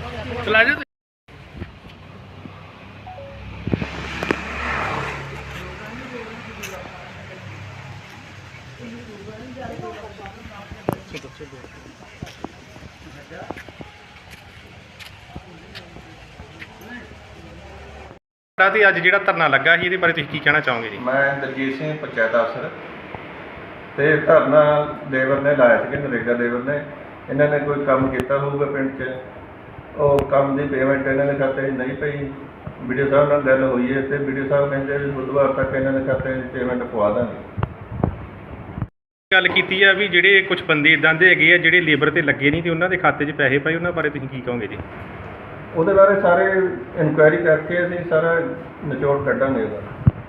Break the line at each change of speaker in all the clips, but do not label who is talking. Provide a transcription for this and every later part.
चला जाओ। ਅੱਜ ਜਿਹੜਾ ਧਰਨਾ ਲੱਗਾ ਸੀ ਇਹਦੇ ਬਾਰੇ ਤੁਸੀਂ ਕੀ ਕਹਿਣਾ ਚਾਹੋਗੇ ਜੀ?
ਮੈਂ ਦਲਜੀਤ ਸਿੰਘ ਪੰਚਾਇਤ ਅਫਸਰ ਤੇ ਧਰਨਾ ਲੇਬਰ ਨੇ ਲਾਇਆ ਸੀ, ਨਰੇਗਾ ਲੇਬਰ ਨੇ। ਇਹਨਾਂ ਨੇ ਕੋਈ ਕੰਮ ਕੀਤਾ ਹੋਊਗਾ ਪਿੰਡ 'ਚ, ਉਹ ਕੰਮ ਦੀ ਪੇਮੈਂਟ ਇਹਨਾਂ ਦੇ ਖਾਤੇ 'ਚ ਨਹੀਂ ਪਈ। ਵੀਡੀਓ ਸਾਹਿਬ ਨਾਲ ਗੱਲ ਹੋਈ ਹੈ ਤੇ ਵੀਡੀਓ ਸਾਹਿਬ ਕਹਿੰਦੇ ਵੀ ਬੁੱਧਵਾਰ ਤੱਕ ਇਹਨਾਂ ਦੇ ਖਾਤੇ 'ਚ ਪੇਮੈਂਟ ਪਵਾ ਦਾਂਗੇ।
ਗੱਲ ਕੀਤੀ ਆ ਵੀ ਜਿਹੜੇ ਕੁਝ ਬੰਦੇ ਇਦਾਂ ਦੇ ਹੈਗੇ ਆ ਜਿਹੜੇ ਲੇਬਰ ਤੇ ਲੱਗੇ ਨਹੀਂ ਤੇ ਉਹਨਾਂ ਦੇ ਖਾਤੇ 'ਚ ਪੈਸੇ ਪਏ, ਉਹਨਾਂ ਬਾਰੇ ਤੁਸੀਂ ਕੀ ਕਹੋਗੇ ਜੀ?
ਉਹਦੇ ਬਾਰੇ ਸਾਰੇ ਇਨਕੁਆਇਰੀ ਕਰਕੇ ਅਸੀਂ ਸਾਰਾ ਨਿਚੋੜ ਕੱਢਾਂਗੇ ਉਹਦਾ।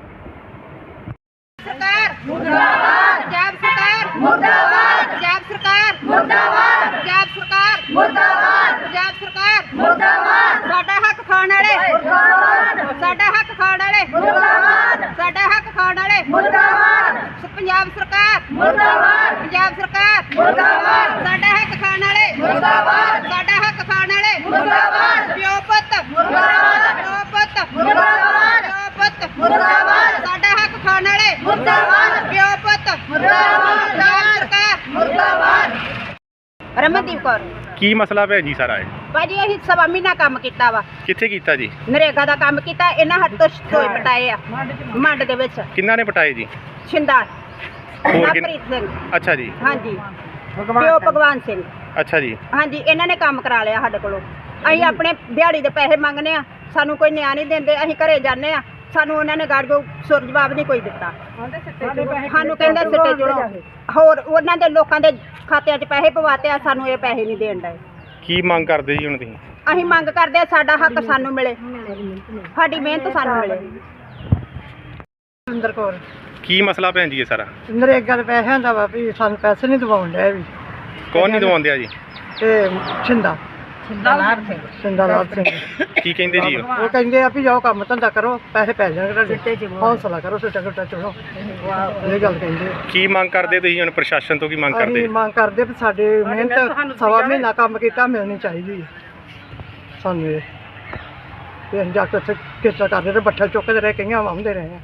ਸਰਕਾਰ ਮੁਰਦਾਬਾਦ, ਪੰਜਾਬ ਸਰਕਾਰ ਮੁਰਦਾਬਾਦ, ਪੰਜਾਬ ਸਰਕਾਰ ਮੁਰਦਾਬਾਦ, ਪੰਜਾਬ ਸਰਕਾਰ ਮੁਰਦਾਬਾਦ, ਪੰਜਾਬ ਸਰਕਾਰ ਮੁਰਦਾਬਾਦ। ਸਾਡਾ ਹੱਕ ਖਾਣ ਵਾਲੇ ਮੁਰਦਾਬਾਦ, ਸਾਡਾ ਹੱਕ ਖਾਣ ਵਾਲੇ ਮੁਰਦਾਬਾਦ, ਸਾਡਾ ਹੱਕ ਖਾਣ ਵਾਲੇ ਮੁਰਦਾਬਾਦ। ਪੰਜਾਬ ਸਰਕਾਰ ਮੁਰਦਾਬਾਦ, ਪੰਜਾਬ ਸਰਕਾਰ ਮੁਰਦਾਬਾਦ, ਸਾਡਾ ਹੱਕ ਖਾਣ ਵਾਲੇ ਮੁਰਦਾਬਾਦ, ਸਾਡਾ ਹੱਕ ਖਾਣ ਵਾਲੇ ਮੁਰਦਾਬਾਦ। ਪਿਓ ਪੁੱਤ ਮੁਰਦਾਬਾਦ, ਪਿਓ ਪੁੱਤ ਮੁਰਦਾਬਾਦ, ਪਿਓ ਪੁੱਤ ਮੁਰਦਾਬਾਦ, ਸਾਡਾ ਹੱਕ ਖਾਣ ਵਾਲੇ ਮੁਰਦਾਬਾਦ, ਪਿਓ ਪੁੱਤ ਮੁਰਦਾਬਾਦ, ਪੰਜਾਬ ਸਰਕਾਰ ਮੁਰਦਾਬਾਦ। ਰਮਨਦੀਪ ਕੌਰ।
ਕੀ ਮਸਲਾ ਭੈਣ ਜੀ ਸਾਰਾ ਇਹ?
ਭਾਜੀ ਅਸੀਂ ਸਵਾ ਮਹੀਨਾ ਕੰਮ ਕੀਤਾ ਵਾ।
ਕਿੱਥੇ ਕੀਤਾ ਜੀ?
ਨਰੇਗਾ ਦਾ ਕੰਮ ਕੀਤਾ। ਇਹਨਾਂ ਹੱਥ ਤੋਂ ਸਟੋਏ ਪਟਾਏ ਆ ਮੰਡ ਦੇ ਵਿੱਚ।
ਕਿੰਨਾ ਨੇ ਪਟਾਏ ਜੀ?
ਛਿੰਦਾ
ਹੋਰ
ਪ੍ਰੀਤ ਸਿੰਘ।
ਅੱਛਾ ਜੀ।
ਹਾਂਜੀ, ਪਿਓ ਭਗਵਾਨ ਸਿੰਘ।
ਅੱਛਾ ਜੀ।
ਹਾਂਜੀ, ਇਹਨਾਂ ਨੇ ਕੰਮ ਕਰਾ ਲਿਆ ਸਾਡੇ ਕੋਲੋਂ। ਅਸੀਂ ਆਪਣੇ ਦਿਹਾੜੀ ਦੇ ਪੈਸੇ ਮੰਗਨੇ ਆ, ਸਾਨੂੰ ਕੋਈ ਨਿਆਂ ਨਹੀਂ ਦਿੰਦੇ। ਅਸੀਂ ਘਰੇ ਜਾਂਦੇ ਆ, ਸਾਨੂੰ ਉਹਨਾਂ ਨੇ ਗਾੜੀਓ ਸੁਰ ਜਵਾਬ ਨਹੀਂ ਕੋਈ ਦਿੱਤਾ। ਸਾਨੂੰ ਕਹਿੰਦੇ ਸਿੱਟੇ ਚੜੋ। ਹੋਰ ਉਹਨਾਂ ਦੇ ਲੋਕਾਂ ਦੇ ਖਾਤਿਆਂ 'ਚ ਪੈਸੇ ਪਵਾਤੇ ਆ, ਸਾਨੂੰ ਇਹ ਪੈਸੇ ਨਹੀਂ ਦੇਣ ਡਏ।
ਕੀ ਮੰਗ ਕਰਦੇ ਜੀ ਹੁਣ ਤੁਸੀਂ?
ਅਸੀਂ ਮੰਗ ਕਰਦੇ ਆ ਸਾਡਾ ਹੱਕ ਸਾਨੂੰ ਮਿਲੇ, ਸਾਡੀ ਮਿਹਨਤ ਸਾਨੂੰ ਮਿਲੇ।
ਸੁਰਿੰਦਰ ਕੌਰ।
ਕੀ ਮਸਲਾ ਭੈਣ ਜੀ ਇਹ ਸਾਰਾ?
ਨਰੇਗਾ ਦੇ ਪੈਸਿਆਂ ਦਾ ਵਾ ਵੀ ਸਾਨੂੰ ਪੈਸੇ ਨਹੀਂ ਦਿਵਾਉਣ ਡਿਆ ਵੀ।
ਕੌਣ ਨਹੀਂ ਦਵਾਉਂਦੇ ਆ ਜੀ?
ਤੇ ਛਿੰਦਾ ਲਾਭ ਸਿੰਘ।
ਕੀ ਕਹਿੰਦੇ ਜੀ ਉਹ?
ਉਹ ਕਹਿੰਦੇ ਆ ਵੀ ਜਾਓ ਕੰਮ ਧੰਦਾ ਕਰੋ, ਪੈਸੇ ਪੈ ਜਾਣਗੇ ਤੁਹਾਡੇ, ਹੌਸਲਾ ਕਰੋ, ਸਿੱਟਾ ਗੁੱਟਾ ਚੜੋ। ਇਹ ਗੱਲ ਕਹਿੰਦੇ।
ਕੀ ਮੰਗ ਕਰਦੇ ਤੁਸੀਂ ਹੁਣ ਪ੍ਰਸ਼ਾਸਨ ਤੋਂ? ਕੀ ਮੰਗ ਕਰਦੇ?
ਅਸੀਂ ਮੰਗ ਕਰਦੇ ਵੀ ਸਾਡੇ ਮਿਹਨਤ ਸਵਾ ਮਹੀਨਾ ਕੰਮ ਕੀਤਾ ਮਿਲਣੀ ਚਾਹੀਦੀ ਹੈ ਸਾਨੂੰ। ਇਹ ਤੇ ਅਸੀਂ ਜਾ ਕੇ ਉੱਥੇ ਕਿਸਾ ਕਰਦੇ ਰਹੇ, ਬੱਠਲ ਚੁੱਕਦੇ ਰਹੇ, ਕਈਆਂ ਵਾਹੁੰਦੇ ਰਹੇ।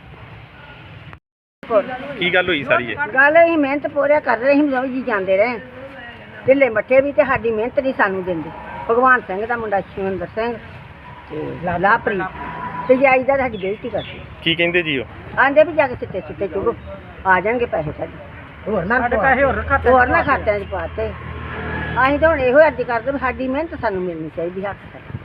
ਕੀ ਗੱਲ ਹੋਈ ਸਾਰੀ ਇਹ?
ਗੱਲ ਅਸੀਂ ਮਿਹਨਤ ਪੂਰਾ ਕਰ ਰਹੇ ਸੀ, ਦੋਵੇਂ ਜੀ ਜਾਂਦੇ ਰਹੇ ਢਿੱਲੇ ਮੱਠੇ ਵੀ, ਤੇ ਸਾਡੀ ਮਿਹਨਤ ਨਹੀਂ ਸਾਨੂੰ ਦਿੰਦੇ। ਭਗਵਾਨ ਸਿੰਘ ਦਾ ਮੁੰਡਾ ਸ਼ਿਵਿੰਦਰ ਸਿੰਘ ਤੇ ਲਾਲਾ ਪ੍ਰੀਤ ਤੇ ਜਾਈ ਦਾ ਸਾਡੀ ਬੇਇੱਜ਼ਤੀ ਕਰਦੇ।
ਕੀ ਕਹਿੰਦੇ ਜੀ ਉਹ?
ਆਂਦੇ ਵੀ ਜਾ ਕੇ ਸਿੱਟੇ ਸੁੱਟੇ ਚੁਗੋ, ਆ ਜਾਣਗੇ ਪੈਸੇ ਸਾਡੇ। ਹੋਰ ਨਾ ਖਾਤਿਆਂ 'ਚ ਪਾਤੇ। ਅਸੀਂ ਤਾਂ ਹੁਣ ਇਹੋ ਅਰਜ਼ੀ ਕਰਦੇ ਵੀ ਸਾਡੀ ਮਿਹਨਤ ਸਾਨੂੰ ਮਿਲਣੀ ਚਾਹੀਦੀ ਹੱਕ ਸਾਡਾ।